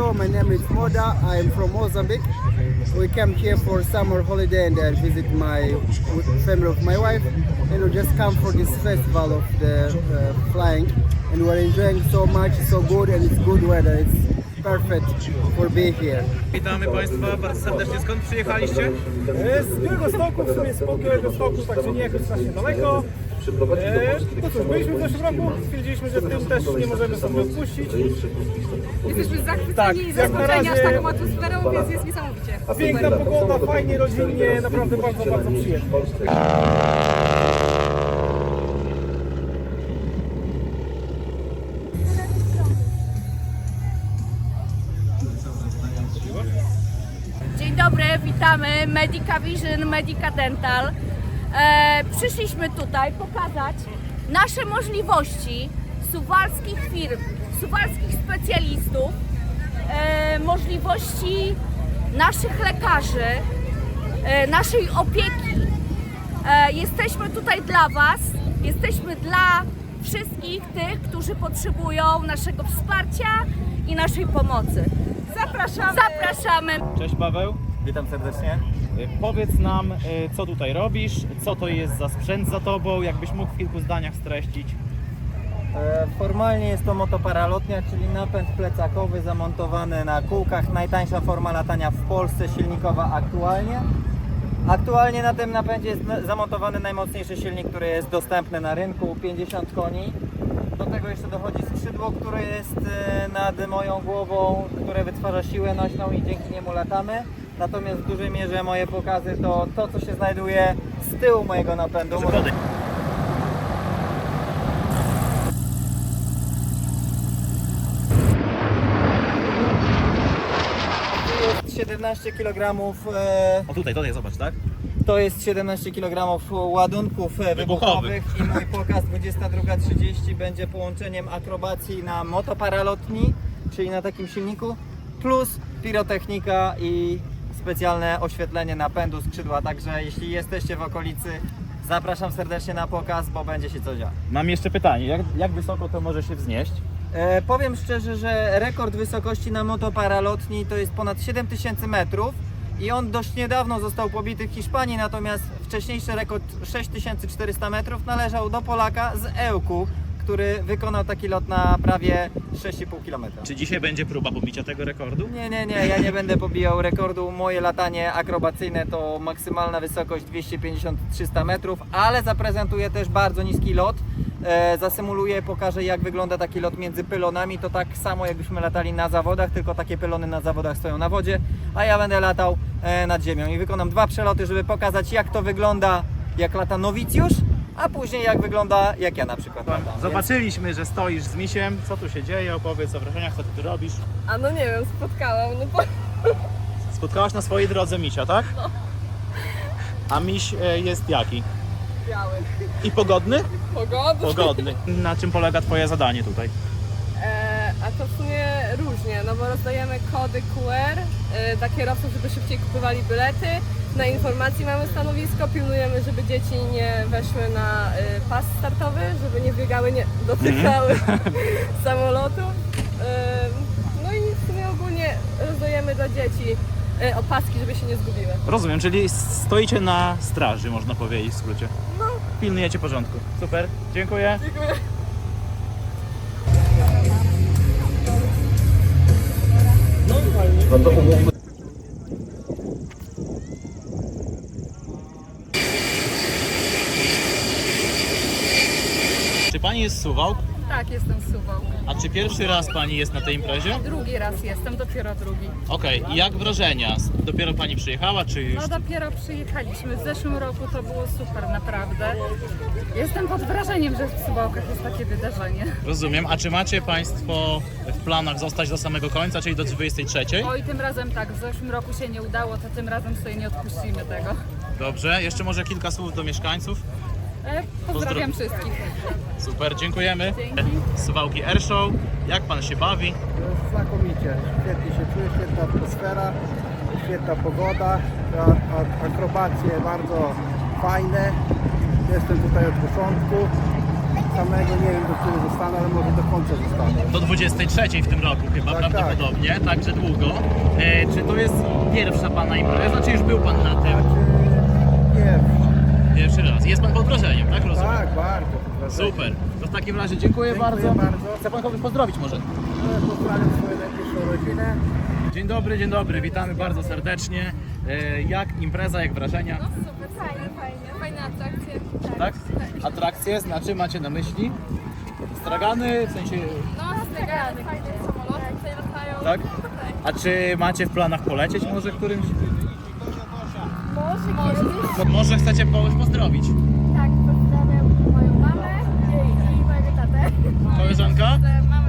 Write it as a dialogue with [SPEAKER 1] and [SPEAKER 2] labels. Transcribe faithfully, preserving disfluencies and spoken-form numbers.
[SPEAKER 1] Hello, my name is Moda. I am from Mozambique. We came here for summer holiday and uh, visit my family of my wife. And we just come for this festival of the uh, flying. And we're enjoying so much, so good, and it's good weather. It's perfect for being here.
[SPEAKER 2] Witamy Państwa bardzo serdecznie. Skąd przyjechaliście?
[SPEAKER 3] Z Białegostoku, w sumie z Białegostoku, także nie jakoś strasznie daleko. E, no cóż, byliśmy w zeszłym roku, stwierdziliśmy, że w tym też nie możemy sobie odpuścić.
[SPEAKER 4] Jesteśmy zachwyceni
[SPEAKER 3] Tak,
[SPEAKER 4] i
[SPEAKER 3] jak na
[SPEAKER 4] zaskoczeni aż
[SPEAKER 3] razie-
[SPEAKER 4] taką atmosferą, więc jest niesamowicie.
[SPEAKER 3] Piękna pogoda, fajnie, rodzinnie, naprawdę bardzo, bardzo przyjemnie.
[SPEAKER 4] Dzień dobry, witamy Medica Vision, Medica Dental. E, przyszliśmy tutaj pokazać nasze możliwości suwalskich firm, suwalskich specjalistów, e, możliwości naszych lekarzy, e, naszej opieki. E, jesteśmy tutaj dla Was, jesteśmy dla wszystkich tych, którzy potrzebują naszego wsparcia i naszej pomocy. Zapraszamy! Zapraszamy!
[SPEAKER 2] Cześć Paweł.
[SPEAKER 5] Witam serdecznie.
[SPEAKER 2] Y, Powiedz nam, y, co tutaj robisz, co to jest za sprzęt za Tobą, jakbyś mógł w kilku zdaniach streścić.
[SPEAKER 5] E, Formalnie jest to motoparalotnia, czyli napęd plecakowy zamontowany na kółkach. Najtańsza forma latania w Polsce, silnikowa aktualnie. Aktualnie na tym napędzie jest na- zamontowany najmocniejszy silnik, który jest dostępny na rynku, pięćdziesiąt koni. Do tego jeszcze dochodzi skrzydło, które jest e, nad moją głową, które wytwarza siłę nośną i dzięki niemu latamy. Natomiast w dużej mierze moje pokazy to to, co się znajduje z tyłu mojego napędu.
[SPEAKER 2] Przykłady.
[SPEAKER 5] Tu jest siedemnaście kilogramów, e,
[SPEAKER 2] O tutaj, tutaj zobacz, tak?
[SPEAKER 5] to jest siedemnaście kilogramów ładunków e, wybuchowych i mój pokaz dwudziesta druga trzydzieści będzie połączeniem akrobacji na motoparalotni, czyli na takim silniku, plus pirotechnika i specjalne oświetlenie napędu skrzydła. Także jeśli jesteście w okolicy, zapraszam serdecznie na pokaz, bo będzie się co działo.
[SPEAKER 2] Mam jeszcze pytanie, jak, jak wysoko to może się wznieść?
[SPEAKER 5] E, powiem szczerze, że rekord wysokości na motoparalotni to jest ponad siedem tysięcy metrów i on dość niedawno został pobity w Hiszpanii, natomiast wcześniejszy rekord sześć tysięcy czterysta metrów należał do Polaka z Ełku, który wykonał taki lot na prawie sześć i pół kilometra.
[SPEAKER 2] Czy dzisiaj będzie próba pobicia tego rekordu?
[SPEAKER 5] Nie, nie, nie, ja nie będę pobijał rekordu. Moje latanie akrobacyjne to maksymalna wysokość dwieście pięćdziesiąt do trzystu metrów, ale zaprezentuję też bardzo niski lot. E, zasymuluję, pokażę jak wygląda taki lot między pylonami. To tak samo jakbyśmy latali na zawodach, tylko takie pylony na zawodach stoją na wodzie, a ja będę latał e, nad ziemią i wykonam dwa przeloty, żeby pokazać jak to wygląda, jak lata nowicjusz, a później jak wygląda jak ja na przykład latam.
[SPEAKER 2] Zobaczyliśmy, że stoisz z misiem. Co tu się dzieje? Opowiedz o wrażeniach, co ty tu robisz.
[SPEAKER 4] A no nie wiem, spotkałam, no bo...
[SPEAKER 2] Spotkałaś na swojej drodze misia, tak? A miś e, jest jaki?
[SPEAKER 4] Biały.
[SPEAKER 2] I pogodny?
[SPEAKER 4] Pogoda.
[SPEAKER 2] Pogodny. Na czym polega Twoje zadanie tutaj?
[SPEAKER 4] E, a to w sumie różnie, no bo rozdajemy kody Q R e, dla kierowców, żeby szybciej kupowali bilety. Na informacji mamy stanowisko, pilnujemy, żeby dzieci nie weszły na e, pas startowy, żeby nie biegały, nie dotykały samolotów. E, no i w sumie ogólnie rozdajemy dla dzieci e, opaski, żeby się nie zgubiły.
[SPEAKER 2] Rozumiem, czyli stoicie na straży, można powiedzieć w skrócie.
[SPEAKER 4] No.
[SPEAKER 2] Pilnujecie porządku. Super, dziękuję.
[SPEAKER 4] Dziękuję.
[SPEAKER 2] Czy Pani jest z Suwałk?
[SPEAKER 6] Tak, jestem z Suwałk.
[SPEAKER 2] A czy pierwszy raz Pani jest na tej imprezie?
[SPEAKER 6] Drugi raz jestem, dopiero drugi.
[SPEAKER 2] Okej, i jak wrażenia? Dopiero Pani przyjechała, czy już...
[SPEAKER 6] No dopiero przyjechaliśmy. W zeszłym roku to było super, naprawdę. Jestem pod wrażeniem, że w Suwałkach jest takie wydarzenie.
[SPEAKER 2] Rozumiem. A czy macie Państwo w planach zostać do samego końca, czyli do dwudziestej trzeciej?
[SPEAKER 6] Oj, tym razem tak, w zeszłym roku się nie udało, to tym razem sobie nie odpuścimy tego.
[SPEAKER 2] Dobrze. Jeszcze może kilka słów do mieszkańców?
[SPEAKER 6] E, pozdrawiam wszystkich.
[SPEAKER 2] Super, dziękujemy.
[SPEAKER 6] Dzięki.
[SPEAKER 2] Suwałki Airshow. Jak Pan się bawi?
[SPEAKER 1] Znakomicie, świetnie się czuję, świetna atmosfera, świetna pogoda, a- a- akrobacje bardzo fajne. Jestem tutaj od początku. samego nie wiem, do którego zostanę, ale może do końca zostanę.
[SPEAKER 2] Do dwudziestej trzeciej w tym roku chyba
[SPEAKER 1] Tak,
[SPEAKER 2] prawdopodobnie, tak. także długo. E, czy to jest pierwsza Pana impreza, czy już był Pan na tym?
[SPEAKER 1] Nie,
[SPEAKER 2] Pierwszy raz. Jest Pan pod wrażeniem, tak rozumiem?
[SPEAKER 1] tak, bardzo.
[SPEAKER 2] Super. To w takim razie dziękuję,
[SPEAKER 1] Dziękuję
[SPEAKER 2] bardzo.
[SPEAKER 1] bardzo.
[SPEAKER 2] Chce Pan kogoś pozdrowić może?
[SPEAKER 1] Pozdrawiam swoją najbliższą rodzinę.
[SPEAKER 2] Dzień dobry, dzień dobry, witamy bardzo serdecznie. E, jak impreza, jak wrażenia?
[SPEAKER 4] Super, fajnie, fajnie. Fajne atrakcje.
[SPEAKER 2] Tak? Atrakcje, znaczy macie na myśli? Stragany, w sensie,
[SPEAKER 4] No, stragany, fajne samoloty tutaj latają.
[SPEAKER 2] tak? A czy macie w planach polecieć może którymś?
[SPEAKER 4] Może kiedyś.
[SPEAKER 2] To może chcecie kogoś pozdrowić?
[SPEAKER 4] Tak, pozdrawiam moją mamę i mojego tatę.
[SPEAKER 2] Koleżanka?
[SPEAKER 4] Mamy